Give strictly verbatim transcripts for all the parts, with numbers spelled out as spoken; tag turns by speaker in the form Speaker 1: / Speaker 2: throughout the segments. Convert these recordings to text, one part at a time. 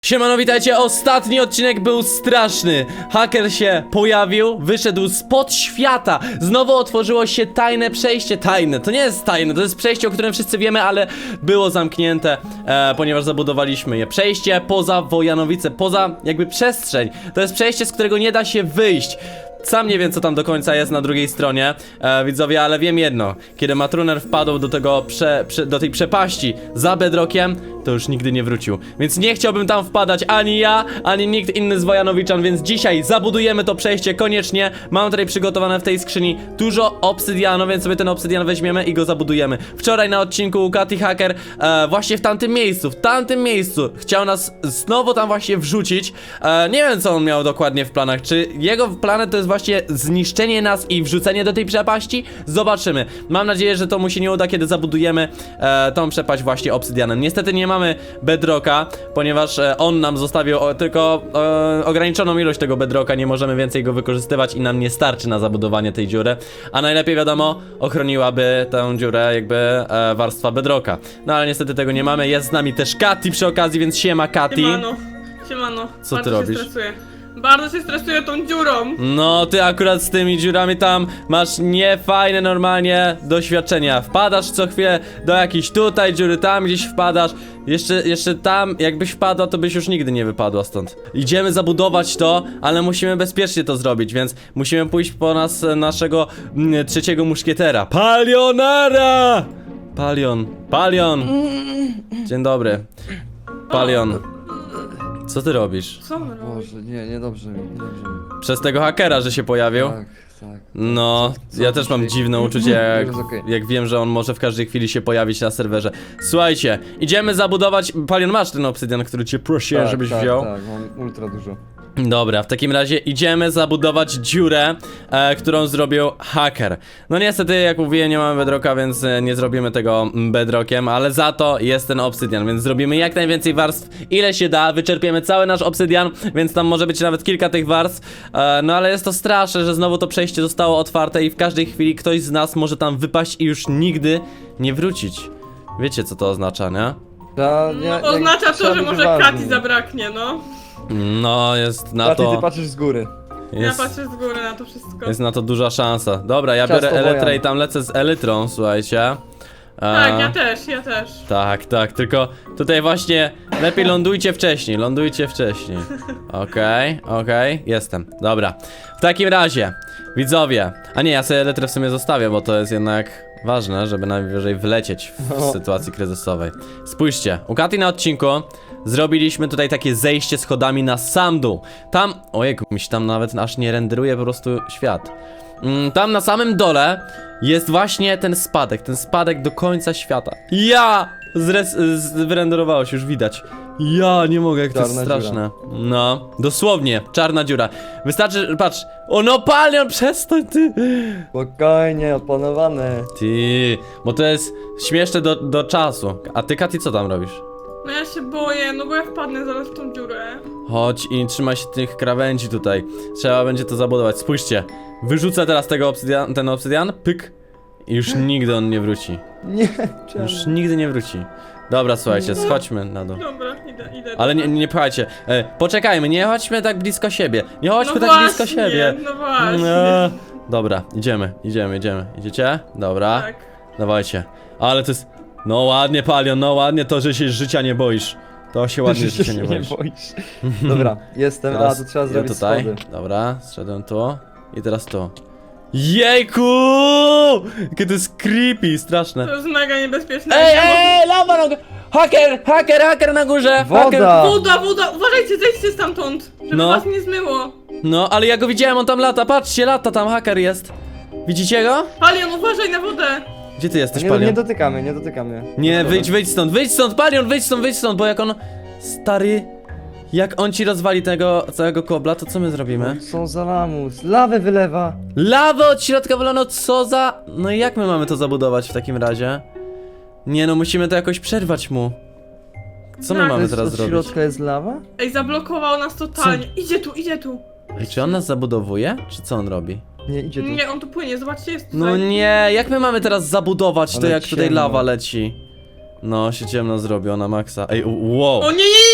Speaker 1: Siemano, witajcie, ostatni odcinek był straszny. Haker się pojawił, wyszedł spod świata. Znowu otworzyło się tajne przejście. Tajne, to nie jest tajne, to jest przejście, o którym wszyscy wiemy, ale było zamknięte, e, ponieważ zabudowaliśmy je. Przejście poza Wojanowice, poza jakby przestrzeń. To jest przejście, z którego nie da się wyjść. Sam nie wiem, co tam do końca jest na drugiej stronie, e, widzowie, ale wiem jedno. Kiedy Matruner wpadł do tego prze, prze, do tej przepaści za Bedrockiem, to już nigdy nie wrócił. Więc nie chciałbym tam wpadać ani ja, ani nikt inny z Wojanowiczan, więc dzisiaj zabudujemy to przejście koniecznie. Mam tutaj przygotowane w tej skrzyni dużo obsydianu, więc sobie ten obsydian weźmiemy i go zabudujemy. Wczoraj na odcinku Katy Hacker e, właśnie w tamtym miejscu, w tamtym miejscu chciał nas znowu tam właśnie wrzucić. e, Nie wiem, co on miał dokładnie w planach. Czy jego plany to jest właśnie zniszczenie nas i wrzucenie do tej przepaści? Zobaczymy. Mam nadzieję, że to mu się nie uda, kiedy zabudujemy e, tą przepaść właśnie obsydianem. Niestety nie mamy bedrocka, ponieważ e, on nam zostawił o, tylko e, ograniczoną ilość tego bedrocka, nie możemy więcej go wykorzystywać i nam nie starczy na zabudowanie tej dziury. A najlepiej, wiadomo, ochroniłaby tę dziurę jakby e, warstwa bedrocka. No ale niestety tego nie mamy. Jest z nami też Katy przy okazji, więc siema Katy.
Speaker 2: Siemano, siemano.
Speaker 1: Co
Speaker 2: Bardzo
Speaker 1: ty robisz?
Speaker 2: Się stresuję. Bardzo się stresuję tą dziurą.
Speaker 1: No, ty akurat z tymi dziurami tam masz niefajne normalnie doświadczenia. Wpadasz co chwilę do jakiejś tutaj dziury, tam gdzieś wpadasz. Jeszcze, jeszcze tam, jakbyś wpadła, to byś już nigdy nie wypadła stąd. Idziemy zabudować to, ale musimy bezpiecznie to zrobić, więc musimy pójść po nas naszego mm, trzeciego muszkietera. Palionara! Palion, Palion! Dzień dobry. Palion. Co ty robisz?
Speaker 2: Co on robi?
Speaker 3: Boże, nie, niedobrze mi, niedobrze mi.
Speaker 1: Przez tego hakera, że się pojawił?
Speaker 3: Tak, tak.
Speaker 1: No,
Speaker 3: co
Speaker 1: ja też mam
Speaker 3: dzisiaj?
Speaker 1: dziwne uczucie, jak,
Speaker 3: Jest okej.
Speaker 1: jak wiem, że on może w każdej chwili się pojawić na serwerze. Słuchajcie, idziemy zabudować... Palion, masz ten obsydian, który cię prosiłem,
Speaker 3: Tak,
Speaker 1: żebyś
Speaker 3: tak,
Speaker 1: wziął?
Speaker 3: Tak, mam ultra dużo.
Speaker 1: Dobra, w takim razie idziemy zabudować dziurę, e, którą zrobił haker. No niestety, jak mówiłem, nie mamy bedrocka, więc e, nie zrobimy tego bedrockiem, ale za to jest ten obsydian, więc zrobimy jak najwięcej warstw, ile się da, wyczerpiemy cały nasz obsydian, więc tam może być nawet kilka tych warstw. E, no ale jest to straszne, że znowu to przejście zostało otwarte i w każdej chwili ktoś z nas może tam wypaść i już nigdy nie wrócić. Wiecie, co to oznacza, nie?
Speaker 3: Ta, nie,
Speaker 2: No,
Speaker 3: nie,
Speaker 2: oznacza
Speaker 3: trzeba
Speaker 2: to, że
Speaker 3: być
Speaker 2: może
Speaker 3: uważnym.
Speaker 2: Katy zabraknie, no.
Speaker 1: No, jest na
Speaker 3: Katy,
Speaker 1: to...
Speaker 3: ty patrzysz z góry.
Speaker 1: Jest...
Speaker 2: Ja patrzę z góry na to wszystko.
Speaker 1: Jest na to duża szansa. Dobra, ja
Speaker 3: Ciasto
Speaker 1: biorę elytrę
Speaker 3: Wojan.
Speaker 1: i tam lecę z elytrą, słuchajcie. E,
Speaker 2: Tak, ja też, ja też.
Speaker 1: Tak, tak, tylko tutaj właśnie lepiej lądujcie wcześniej, lądujcie wcześniej. Okej, okej, jestem. Dobra. W takim razie, widzowie. A nie, ja sobie elytrę w sumie zostawię, bo to jest jednak ważne, żeby najwyżej wlecieć w
Speaker 3: No.
Speaker 1: sytuacji kryzysowej. Spójrzcie, u Katy na odcinku zrobiliśmy tutaj takie zejście schodami na sam dół. Tam, ojejku, mi się tam nawet aż nie renderuje po prostu świat. Mm, tam na samym dole jest właśnie ten spadek, ten spadek do końca świata. Ja! Zres z wyrenderowało się, już widać. Ja nie mogę, jak to jest
Speaker 3: Czarna
Speaker 1: straszne. No, dosłownie, czarna dziura. Wystarczy, patrz. O no, Palion, przestań ty!
Speaker 3: Spokojnie, opanowane.
Speaker 1: Ty, bo to jest śmieszne do, do czasu. A ty, Katy, co tam robisz?
Speaker 2: No ja się boję, no bo ja wpadnę zaraz w tą dziurę.
Speaker 1: Chodź i trzymaj się tych krawędzi tutaj. Trzeba będzie to zabudować. Spójrzcie. Wyrzucę teraz tego obsydian, ten obsydian, pyk. I już nigdy on nie wróci.
Speaker 3: Nie, czemu?
Speaker 1: Już nigdy nie wróci. Dobra, słuchajcie, schodźmy na dół.
Speaker 2: Dobra, idę, idę.
Speaker 1: Ale nie, nie pchajcie. E, poczekajmy, nie chodźmy tak blisko siebie. Nie chodźmy
Speaker 2: no
Speaker 1: tak
Speaker 2: właśnie,
Speaker 1: blisko siebie.
Speaker 2: No właśnie.
Speaker 1: No. Dobra, idziemy, idziemy, idziemy. Idziecie? Dobra.
Speaker 2: Tak.
Speaker 1: Dawajcie. Ale to jest... No ładnie, Palion, no ładnie to, że się życia nie boisz. To się ładnie
Speaker 3: Że
Speaker 1: życia nie boisz.
Speaker 3: boisz. Dobra, jestem,
Speaker 1: Teraz
Speaker 3: a tu trzeba
Speaker 1: ja
Speaker 3: zrobić
Speaker 1: tutaj.
Speaker 3: schody.
Speaker 1: Dobra, zszedłem tu. I teraz tu. Jejku! Jakie to jest creepy, straszne.
Speaker 2: To jest mega niebezpieczne.
Speaker 1: Ej,
Speaker 2: Ja
Speaker 1: ej, lawa na górze! Haker, haker, haker na górze!
Speaker 3: Woda!
Speaker 1: Haker.
Speaker 2: mogę- Woda, woda, uważajcie, zejdźcie stamtąd, żeby
Speaker 1: No.
Speaker 2: was nie zmyło.
Speaker 1: No, ale ja go widziałem, on tam lata, patrzcie, lata tam, haker jest. Widzicie go?
Speaker 2: Palion, uważaj na wodę.
Speaker 1: Gdzie ty jesteś,
Speaker 3: Nie, nie
Speaker 1: Palion?
Speaker 3: dotykamy, nie dotykamy.
Speaker 1: Nie, wyjdź, wyjdź stąd, wyjdź stąd, Palion, wyjdź stąd, wyjdź stąd, bo jak on... Stary... Jak on ci rozwali tego całego kobla, to co my zrobimy?
Speaker 3: Co za lamus, lawę wylewa.
Speaker 1: Lawę od środka wylano, co za... No i jak my mamy to zabudować w takim razie? Nie no, musimy to jakoś przerwać mu. Co my
Speaker 2: Tak.
Speaker 1: mamy
Speaker 3: Jest-
Speaker 1: teraz
Speaker 3: od
Speaker 1: zrobić?
Speaker 3: środka jest lawa?
Speaker 2: Ej, zablokował nas totalnie. Idzie tu, idzie tu.
Speaker 1: Ej, czy on nas zabudowuje? Czy co on robi?
Speaker 3: Nie, idzie tu.
Speaker 2: Nie, on tu płynie, zobaczcie, jest tutaj.
Speaker 1: No nie, jak my mamy teraz zabudować to,
Speaker 3: Ale
Speaker 1: jak tutaj
Speaker 3: ciemno.
Speaker 1: lawa leci? No, się ciemno zrobiło na maksa. Ej, u- wow.
Speaker 2: O nie, nie, nie, nie, nie,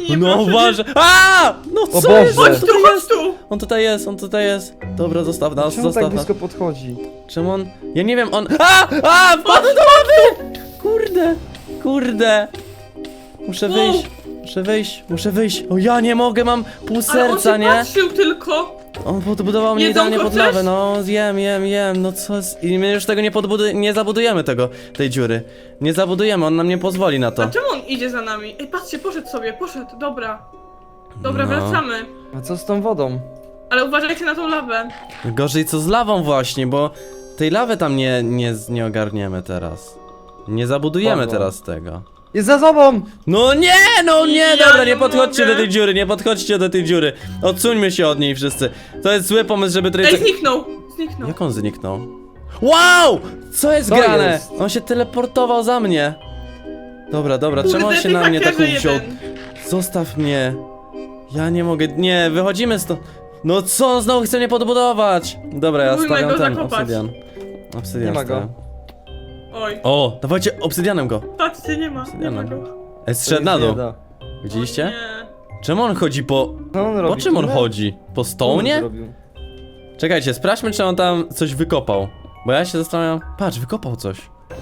Speaker 2: nie
Speaker 1: No
Speaker 2: proszę,
Speaker 1: uważaj. A! No
Speaker 3: O
Speaker 1: co jest?
Speaker 3: Boże.
Speaker 1: On
Speaker 2: Chodź tu,
Speaker 1: tutaj
Speaker 2: chodź
Speaker 1: jest.
Speaker 2: tu!
Speaker 1: On tutaj jest, on tutaj jest. Dobra, zostaw nas,
Speaker 3: Czemu tak
Speaker 1: zostaw nas.
Speaker 3: blisko podchodzi?
Speaker 1: Czemu on... Ja nie wiem, on... A! A! Wpadł do wody! Kurde! Kurde! Muszę
Speaker 2: Wow.
Speaker 1: wyjść. Muszę wyjść, muszę wyjść. O ja nie mogę, mam pół
Speaker 2: Ale on
Speaker 1: serca,
Speaker 2: się
Speaker 1: nie?
Speaker 2: patrzył tylko!
Speaker 1: On podbudował mnie
Speaker 2: Jedzonko
Speaker 1: idealnie pod
Speaker 2: chcesz?
Speaker 1: lawę, no jem, jem, jem, no co jest... I my już tego nie podbudu... nie zabudujemy tego, tej dziury. Nie zabudujemy, on nam nie pozwoli na to.
Speaker 2: A czemu on idzie za nami? Ej, patrzcie, poszedł sobie, poszedł, dobra. Dobra,
Speaker 1: No.
Speaker 2: wracamy.
Speaker 3: A co z tą wodą?
Speaker 2: Ale uważajcie na tą lawę.
Speaker 1: Gorzej co z lawą właśnie, bo tej lawy tam nie, nie, nie ogarniemy teraz. Nie zabudujemy
Speaker 3: Spadła.
Speaker 1: teraz tego.
Speaker 3: Jest za tobą!
Speaker 1: No nie, no nie,
Speaker 2: Ja
Speaker 1: dobra,
Speaker 2: nie
Speaker 1: nie podchodźcie
Speaker 2: mogę.
Speaker 1: do tej dziury, nie podchodźcie do tej dziury. Odsuńmy się od niej wszyscy. To jest zły pomysł, żeby tutaj...
Speaker 2: Ej, zniknął! Zniknął.
Speaker 1: Jak on zniknął? Wow! Co jest
Speaker 3: Co
Speaker 1: grane?
Speaker 3: jest?
Speaker 1: On się teleportował za mnie. Dobra, dobra, czemu on
Speaker 2: Kurde,
Speaker 1: się
Speaker 2: ty
Speaker 1: na mnie tak
Speaker 2: hakerze
Speaker 1: wziął?
Speaker 2: jeden.
Speaker 1: Zostaw mnie. Ja nie mogę, nie, wychodzimy stąd. No co, on znowu chce mnie podbudować. Dobra, ja
Speaker 2: Próbujmy
Speaker 1: stawiam
Speaker 2: go
Speaker 1: ten
Speaker 2: zakopać.
Speaker 1: obsydian. Obsydian
Speaker 3: Nie ma go.
Speaker 1: stawiam.
Speaker 2: Oj,
Speaker 1: O, dawajcie obsydianem go.
Speaker 2: patrzcie, nie ma, nie ma go.
Speaker 1: Ej, zszedł na dół.
Speaker 3: Da.
Speaker 1: Widzieliście?
Speaker 2: Nie.
Speaker 1: Czemu on chodzi po...
Speaker 3: Co on
Speaker 1: Po
Speaker 3: robi?
Speaker 1: czym on
Speaker 3: Tunel?
Speaker 1: chodzi? Po
Speaker 3: Co on
Speaker 1: stołnie?
Speaker 3: zrobił?
Speaker 1: Czekajcie, sprawdźmy, czy on tam coś wykopał. Bo ja się zastanawiam... Patrz, wykopał coś.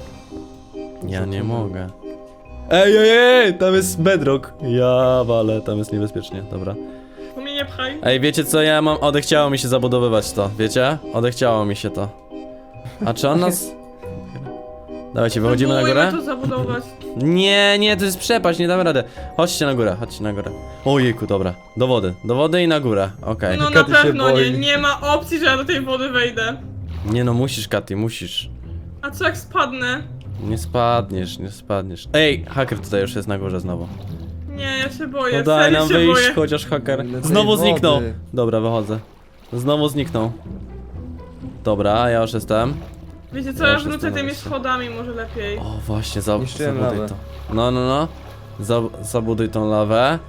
Speaker 1: Ja nie mogę. Ej, ej, ej, tam jest bedrock. Ja walę, tam jest niebezpiecznie, dobra.
Speaker 2: Tu mnie nie pchaj.
Speaker 1: Ej, wiecie co, ja mam... Odechciało mi się zabudowywać to, wiecie? Odechciało mi się to. A czy on nas... Dawajcie, wychodzimy na
Speaker 2: Próbujmy
Speaker 1: górę?
Speaker 2: to zabudować.
Speaker 1: Nie, nie, to jest przepaść, nie damy rady. Chodźcie na górę, chodźcie na górę. Ojejku, dobra. Do wody, do wody i na górę, okej.
Speaker 2: No na
Speaker 3: Katy się
Speaker 2: pewno nie,
Speaker 3: boi.
Speaker 2: nie ma opcji, że ja do tej wody wejdę.
Speaker 1: Nie no, musisz, Katy, musisz.
Speaker 2: A co jak spadnę?
Speaker 1: Nie spadniesz, nie spadniesz. Ej, haker tutaj już jest na górze znowu.
Speaker 2: Nie, ja się boję,
Speaker 1: No daj
Speaker 2: serio
Speaker 1: nam
Speaker 2: się
Speaker 1: wyjść,
Speaker 2: boję.
Speaker 1: chociaż haker.
Speaker 3: Ile tej
Speaker 1: Znowu
Speaker 3: wody?
Speaker 1: zniknął. Dobra, wychodzę. Znowu zniknął. Dobra, ja już jestem.
Speaker 2: Wiecie co,
Speaker 1: Ja
Speaker 2: ja
Speaker 1: już
Speaker 2: wrócę
Speaker 1: jestem na
Speaker 2: tymi
Speaker 1: miejscu.
Speaker 2: schodami może lepiej.
Speaker 1: O, właśnie, za,
Speaker 3: Niszczyłem
Speaker 1: zabuduj
Speaker 3: lawę.
Speaker 1: to. No, no, no. Za, zabuduj tą lawę.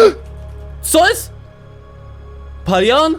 Speaker 1: Co jest? Palion?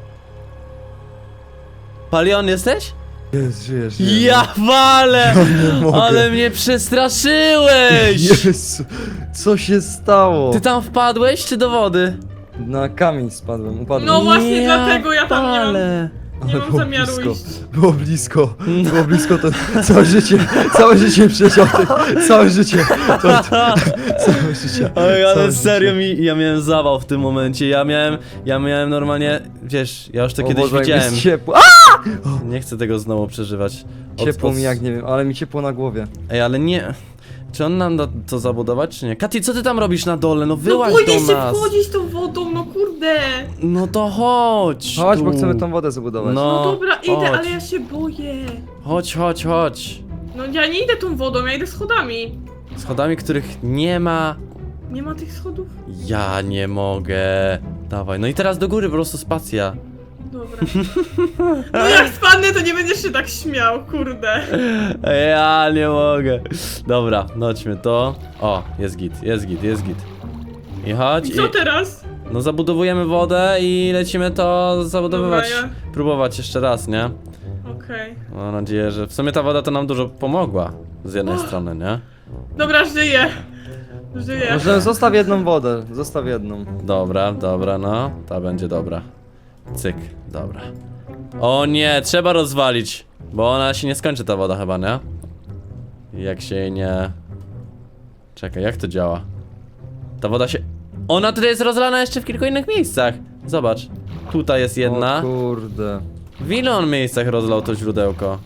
Speaker 1: Palion jesteś?
Speaker 3: Jest, żyjesz, żyjesz.
Speaker 1: Ja walę!
Speaker 3: mogę.
Speaker 1: Ale mnie przestraszyłeś!
Speaker 3: Jezu, co się stało?
Speaker 1: Ty tam wpadłeś, czy do wody?
Speaker 3: Na kamień spadłem, upadłem.
Speaker 2: No właśnie dlatego ja tam nie mam-
Speaker 1: palę.
Speaker 2: Nie
Speaker 3: Ale
Speaker 2: mam
Speaker 3: było
Speaker 2: zamiaru
Speaker 3: blisko.
Speaker 2: iść.
Speaker 3: Było blisko, było blisko, to całe życie, całe życie przeciął, całe życie, to, całe życie.
Speaker 1: Ej, ale
Speaker 3: całe
Speaker 1: serio
Speaker 3: życie.
Speaker 1: mi, ja miałem zawał w tym momencie, ja miałem, ja miałem normalnie, wiesz, ja już to
Speaker 3: O
Speaker 1: kiedyś
Speaker 3: Boże, jak
Speaker 1: widziałem.
Speaker 3: jest ciepło. A!
Speaker 1: Nie chcę tego znowu przeżywać. Od-
Speaker 3: Ciepło
Speaker 1: od-
Speaker 3: mi jak nie wiem, ale mi ciepło na głowie.
Speaker 1: Ej, ale nie, czy on nam da to zabudować, czy nie? Katy, co ty tam robisz na dole? No
Speaker 2: No
Speaker 1: wyłaź
Speaker 2: boję
Speaker 1: do
Speaker 2: się
Speaker 1: nas.
Speaker 2: wchodzić tą wodą, no kurde.
Speaker 1: No to chodź.
Speaker 3: Chodź,
Speaker 1: tu.
Speaker 3: bo chcemy tą wodę zabudować.
Speaker 1: No.
Speaker 2: No dobra, idę,
Speaker 1: chodź.
Speaker 2: ale ja się boję.
Speaker 1: Chodź, chodź, chodź.
Speaker 2: No ja nie idę tą wodą, ja idę schodami.
Speaker 1: Schodami, których nie ma.
Speaker 2: Nie ma tych schodów?
Speaker 1: Ja nie mogę. Dawaj, no i teraz do góry, po prostu spacja.
Speaker 2: Dobra. No jak spadnę, to nie będziesz się tak śmiał, kurde.
Speaker 1: Ja nie mogę. Dobra, chodźmy to. O, jest git, jest git, jest git. I chodź
Speaker 2: I
Speaker 1: i...
Speaker 2: co teraz?
Speaker 1: No zabudowujemy wodę i lecimy to zabudowywać.
Speaker 2: Dobra,
Speaker 1: Próbować jeszcze raz, nie?
Speaker 2: Okej.
Speaker 1: Mam nadzieję, że w sumie ta woda to nam dużo pomogła. Z jednej
Speaker 2: Och.
Speaker 1: strony, nie?
Speaker 2: Dobra, żyję. Żyję.
Speaker 3: Może zostaw jedną wodę, zostaw jedną.
Speaker 1: Dobra, dobra, no. Ta będzie dobra. Cyk, dobra. O nie, trzeba rozwalić. Bo ona się nie skończy, ta woda chyba, nie? Jak się jej nie... Czekaj, jak to działa? Ta woda się... Ona tutaj jest rozlana jeszcze w kilku innych miejscach. Zobacz. Tutaj jest jedna.
Speaker 3: O kurde.
Speaker 1: W ilu on miejscach rozlał to źródełko?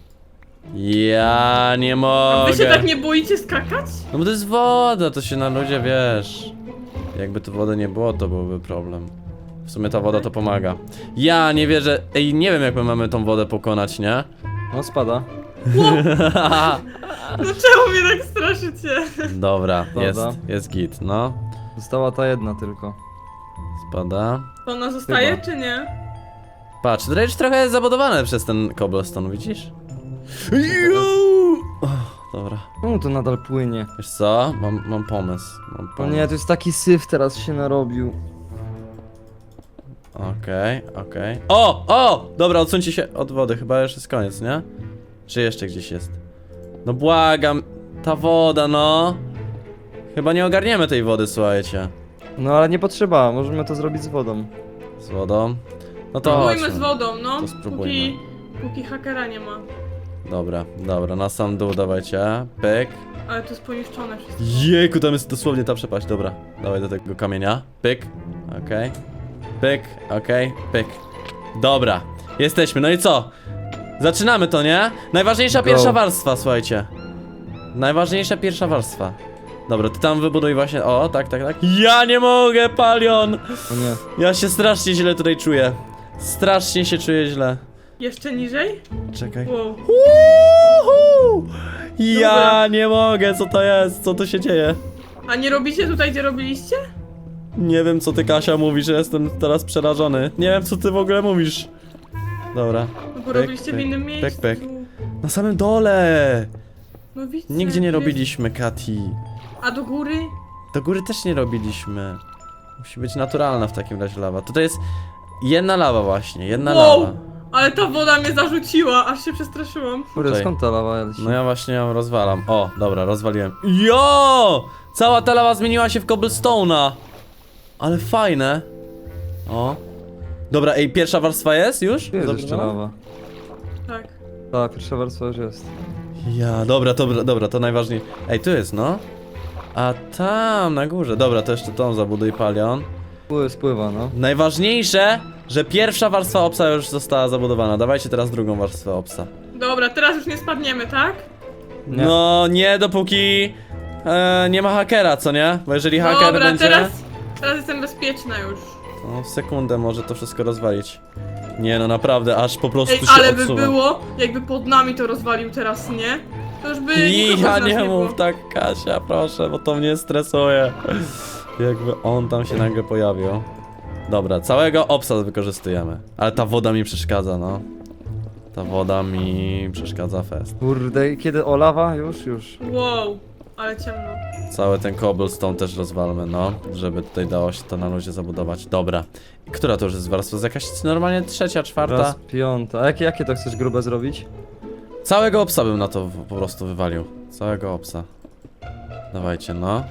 Speaker 1: Ja nie
Speaker 2: A
Speaker 1: mogę.
Speaker 2: wy się tak nie boicie skakać?
Speaker 1: No bo to jest woda, to się na ludzie, wiesz. Jakby tu wody nie było, to byłby problem. W sumie ta woda to pomaga. Ja nie wierzę. Ej, nie wiem jak my mamy tą wodę pokonać, nie?
Speaker 3: No spada.
Speaker 2: No czemu mnie tak straszycie?
Speaker 1: Dobra,
Speaker 3: Dobra.
Speaker 1: jest, jest git, no.
Speaker 3: Została ta jedna tylko.
Speaker 1: Spada.
Speaker 2: To ona zostaje,
Speaker 3: Chyba.
Speaker 2: czy nie?
Speaker 1: Patrz, to już trochę jest zabudowane przez ten cobblestone, widzisz? Oh, dobra.
Speaker 3: Czemu to nadal płynie?
Speaker 1: Wiesz co? Mam, mam pomysł. Mam
Speaker 3: O
Speaker 1: pomysł.
Speaker 3: nie, to jest taki syf teraz się narobił.
Speaker 1: Okej, okej. O! O! Dobra, odsuńcie się od wody, chyba już jest koniec, nie? Czy jeszcze gdzieś jest? No błagam, ta woda, no. Chyba nie ogarniemy tej wody, słuchajcie.
Speaker 3: No ale nie potrzeba, możemy to zrobić z wodą.
Speaker 1: Z wodą? No to
Speaker 2: Spróbujmy
Speaker 1: chodźmy.
Speaker 2: z wodą, no.
Speaker 1: To spróbujmy.
Speaker 2: Póki, póki hakera nie ma.
Speaker 1: Dobra, dobra, na sam dół dawajcie. Pyk.
Speaker 2: Ale to jest poniszczone wszystko.
Speaker 1: Jejku, tam jest dosłownie ta przepaść, dobra. Dawaj do tego kamienia. Pyk. Okej. Pyk, okej, pyk. Dobra, jesteśmy, no i co? Zaczynamy to, nie? Najważniejsza
Speaker 3: Go.
Speaker 1: pierwsza warstwa, słuchajcie. Najważniejsza pierwsza warstwa. Dobra, ty tam wybuduj właśnie, o, tak, tak, tak. Ja nie mogę, Palion!
Speaker 3: O nie.
Speaker 1: Ja się strasznie źle tutaj czuję. Strasznie się czuję źle.
Speaker 2: Jeszcze niżej?
Speaker 1: Czekaj.
Speaker 2: Wow.
Speaker 1: Uhu! Ja
Speaker 2: Dobra.
Speaker 1: nie mogę, co to jest? Co tu się dzieje?
Speaker 2: A nie robicie tutaj, gdzie robiliście?
Speaker 1: Nie wiem, co ty, Kasia, mówisz, ja jestem teraz przerażony. Nie wiem, co ty w ogóle mówisz. Dobra.
Speaker 2: No bo
Speaker 1: Pyk,
Speaker 2: robiliście
Speaker 1: pyk,
Speaker 2: w innym
Speaker 1: pyk,
Speaker 2: miejscu.
Speaker 1: pyk. Na samym dole!
Speaker 2: No widzę.
Speaker 1: Nigdzie nie
Speaker 2: jest-
Speaker 1: robiliśmy, Kati.
Speaker 2: A do góry?
Speaker 1: Do góry też nie robiliśmy. Musi być naturalna w takim razie lawa. Tutaj jest jedna lawa właśnie, jedna
Speaker 2: Wow!
Speaker 1: lawa.
Speaker 2: Ale ta woda mnie zarzuciła, aż się przestraszyłam.
Speaker 3: Kurde,
Speaker 1: Czekaj.
Speaker 3: skąd ta lawa leci?
Speaker 1: No ja właśnie ją rozwalam. O, dobra, rozwaliłem. Jo! Cała ta lawa zmieniła się w cobblestone'a. Ale fajne. O. Dobra, ej, pierwsza warstwa jest już?
Speaker 3: Tu jest jeszcze
Speaker 1: Zabudowana?
Speaker 3: lawa.
Speaker 2: Tak.
Speaker 3: Tak, pierwsza warstwa już jest.
Speaker 1: Ja, dobra, dobra, dobra, to najważniejsze. Ej, tu jest, no. A tam, na górze. Dobra, to jeszcze tą zabuduj, Palion.
Speaker 3: Pły, spływa, no.
Speaker 1: Najważniejsze, że pierwsza warstwa obsa już została zabudowana. Dawajcie teraz drugą warstwę obsa.
Speaker 2: Dobra, teraz już nie spadniemy, tak?
Speaker 3: Nie.
Speaker 1: No, nie dopóki e, nie ma hakera, co nie? Bo jeżeli haker
Speaker 2: Dobra,
Speaker 1: będzie...
Speaker 2: teraz, teraz jestem bezpieczna już.
Speaker 1: No, w sekundę może to wszystko rozwalić. Nie no, naprawdę, aż po prostu
Speaker 2: Ej,
Speaker 1: się
Speaker 2: ale by
Speaker 1: odsuwa.
Speaker 2: było, jakby pod nami to rozwalił teraz, nie? To już by
Speaker 1: I
Speaker 2: nikogo
Speaker 1: ja
Speaker 2: z nas
Speaker 1: nie
Speaker 2: było.
Speaker 1: mów tak, Kasia, proszę, bo to mnie stresuje. Jakby on tam się nagle pojawił. Dobra, całego obsa wykorzystujemy. Ale ta woda mi przeszkadza, no. Ta woda mi przeszkadza fest.
Speaker 3: Kurde, kiedy o lawa? Już, już.
Speaker 2: Wow, ale ciemno.
Speaker 1: Cały ten cobblestone też rozwalmy, no. Żeby tutaj dało się to na luzie zabudować. Dobra. I która to już jest warstwa? Z jakaś normalnie trzecia, czwarta?
Speaker 3: Raz, piąta. A jakie, jakie to chcesz grube zrobić?
Speaker 1: Całego obsa bym na to w- po prostu wywalił. Całego obsa. Dawajcie, no.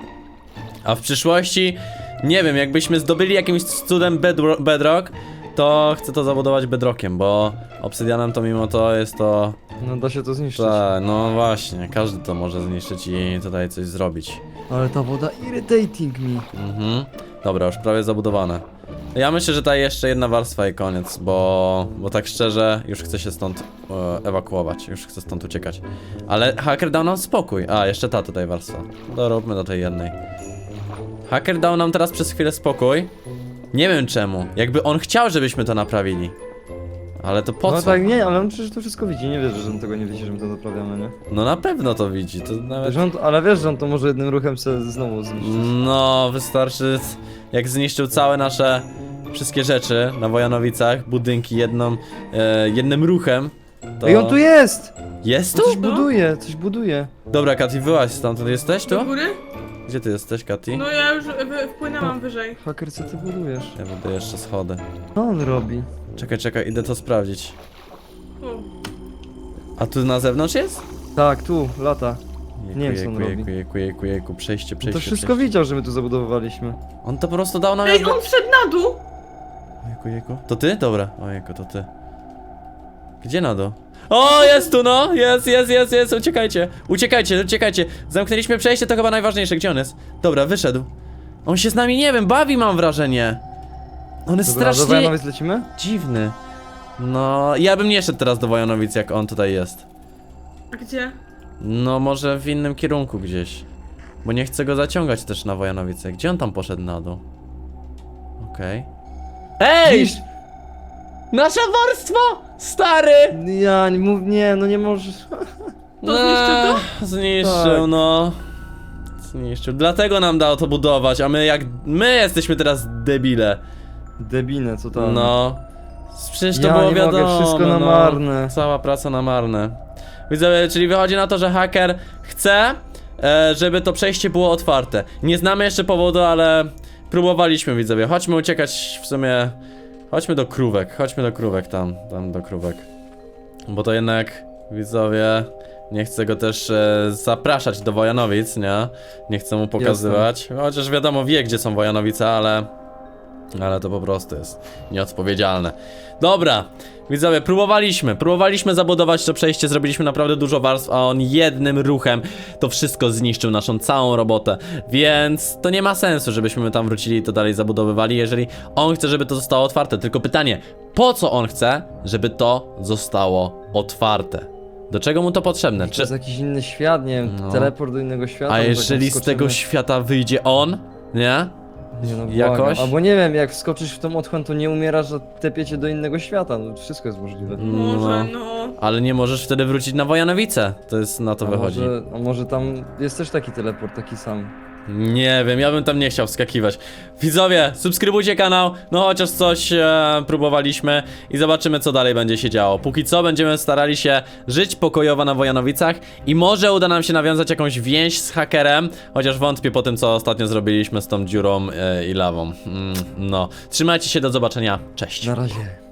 Speaker 1: A w przyszłości, nie wiem, jakbyśmy zdobyli jakimś cudem bedro bedrock, to chcę to zabudować bedrockiem, bo obsydianem to mimo to jest to...
Speaker 3: No da się to zniszczyć.
Speaker 1: Ta, no właśnie, każdy to może zniszczyć i tutaj coś zrobić.
Speaker 3: Ale ta woda irritating me.
Speaker 1: Mhm. Dobra, już prawie zabudowane. Ja myślę, że ta jeszcze jedna warstwa i koniec, bo, bo tak szczerze już chcę się stąd e, ewakuować, już chcę stąd uciekać. Ale haker dał nam spokój. A, jeszcze ta tutaj warstwa. Doróbmy do tej jednej. Haker dał nam teraz przez chwilę spokój. Nie wiem czemu. Jakby on chciał, żebyśmy to naprawili. Ale to po
Speaker 3: No
Speaker 1: co?
Speaker 3: tak, nie, ale on przecież to wszystko widzi, nie wiesz, że on tego nie widzi, że my to naprawiamy, nie?
Speaker 1: No na pewno to widzi, to nawet...
Speaker 3: Wiesz, on, ale wiesz, że on to może jednym ruchem sobie znowu zniszczyć.
Speaker 1: No, wystarczy, jak zniszczył całe nasze wszystkie rzeczy na Wojanowicach, budynki jedną, e, jednym ruchem, to...
Speaker 3: Ej, on tu jest!
Speaker 1: Jest
Speaker 3: On coś
Speaker 1: tu?
Speaker 3: buduje, coś buduje.
Speaker 1: Dobra, Kati, wyłaź stamtąd, jesteś
Speaker 2: Do
Speaker 1: tu?
Speaker 2: góry?
Speaker 1: Gdzie ty jesteś, Kati?
Speaker 2: No ja już wy- wpłynęłam wyżej.
Speaker 3: Haker, co ty budujesz?
Speaker 1: Ja buduję jeszcze schody.
Speaker 3: Co on robi?
Speaker 1: Czekaj, czekaj, idę to sprawdzić.
Speaker 2: O.
Speaker 1: A tu na zewnątrz jest?
Speaker 3: Tak, tu, lata.
Speaker 1: Jejku,
Speaker 3: Nie wiem, co on
Speaker 1: jejku,
Speaker 3: robi.
Speaker 1: jejku, jejku, jejku, jejku, przejście,
Speaker 3: On
Speaker 1: przejście,
Speaker 3: to wszystko
Speaker 1: przejście.
Speaker 3: widział, że my tu zabudowywaliśmy.
Speaker 1: On to po prostu dał nam
Speaker 2: Ej,
Speaker 1: jakby...
Speaker 2: on wszedł na dół!
Speaker 1: Ojejku, jejku. To ty? Dobra. Ojejku, to ty. Gdzie na dół? O, jest tu, no! Jest, jest, jest, jest! Uciekajcie! Uciekajcie, uciekajcie! Zamknęliśmy przejście, to chyba najważniejsze. Gdzie on jest? Dobra, wyszedł. On się z nami, nie wiem, bawi, mam wrażenie. On jest
Speaker 3: Dobra, do
Speaker 1: strasznie
Speaker 3: Wojanowic lecimy?
Speaker 1: dziwny. No, ja bym nie szedł teraz do Wojanowic, jak on tutaj jest.
Speaker 2: A gdzie?
Speaker 1: No, może w innym kierunku gdzieś. Bo nie chcę go zaciągać też na Wojanowice. Gdzie on tam poszedł na dół? Okej. Ej!
Speaker 3: Dziś-
Speaker 1: Nasze warstwo! Stary!
Speaker 3: Ja nie mów, nie, no nie możesz.
Speaker 2: To zniszczył to?
Speaker 1: Zniszczył,
Speaker 3: Tak.
Speaker 1: no. Zniszczył. Dlatego nam dał to budować, a my jak... My jesteśmy teraz debile.
Speaker 3: Debinę, co tam?
Speaker 1: No. Przecież to
Speaker 3: Ja
Speaker 1: było
Speaker 3: nie mogę,
Speaker 1: wiadomo,
Speaker 3: wszystko na
Speaker 1: no.
Speaker 3: marne.
Speaker 1: Cała praca na marne. Widzowie, czyli wychodzi na to, że haker chce, e, żeby to przejście było otwarte. Nie znamy jeszcze powodu, ale próbowaliśmy, widzowie. Chodźmy uciekać w sumie... Chodźmy do krówek, chodźmy do krówek tam, tam do krówek. Bo to jednak, widzowie, Nie chcę go też e, zapraszać do Wojanowic, nie? Nie chcę mu pokazywać. Chociaż wiadomo, wie gdzie są Wojanowice, ale... Ale to po prostu jest nieodpowiedzialne. Dobra, widzowie, próbowaliśmy, próbowaliśmy zabudować to przejście, zrobiliśmy naprawdę dużo warstw, a on jednym ruchem to wszystko zniszczył, naszą całą robotę. Więc to nie ma sensu, żebyśmy tam wrócili i to dalej zabudowywali, jeżeli on chce, żeby to zostało otwarte. Tylko pytanie, po co on chce, żeby to zostało otwarte? Do czego mu to potrzebne?
Speaker 3: To
Speaker 1: Czy...
Speaker 3: jest jakiś inny świat, nie wiem,
Speaker 1: No.
Speaker 3: teleport do innego świata.
Speaker 1: A
Speaker 3: może
Speaker 1: jeżeli
Speaker 3: jak
Speaker 1: z tego
Speaker 3: wskoczymy-
Speaker 1: świata wyjdzie on, nie?
Speaker 3: Nie, no,
Speaker 1: jakoś?
Speaker 3: błagam. Albo nie wiem, jak wskoczysz w tą otchłań, to nie umierasz, a tepie cię do innego świata, no wszystko jest możliwe.
Speaker 2: Może,
Speaker 1: No.
Speaker 2: no.
Speaker 1: Ale nie możesz wtedy wrócić na Wojanowice. To jest, na to
Speaker 3: A
Speaker 1: wychodzi.
Speaker 3: może, a może tam jest też taki teleport, taki sam.
Speaker 1: Nie wiem, ja bym tam nie chciał wskakiwać. Widzowie, subskrybujcie kanał, no chociaż coś e, próbowaliśmy i zobaczymy co dalej będzie się działo. Póki co będziemy starali się żyć pokojowo na Wojanowicach i może uda nam się nawiązać jakąś więź z hakerem, chociaż wątpię po tym co ostatnio zrobiliśmy z tą dziurą e, i lawą. Mm, no, trzymajcie się, do zobaczenia, cześć.
Speaker 3: Na razie.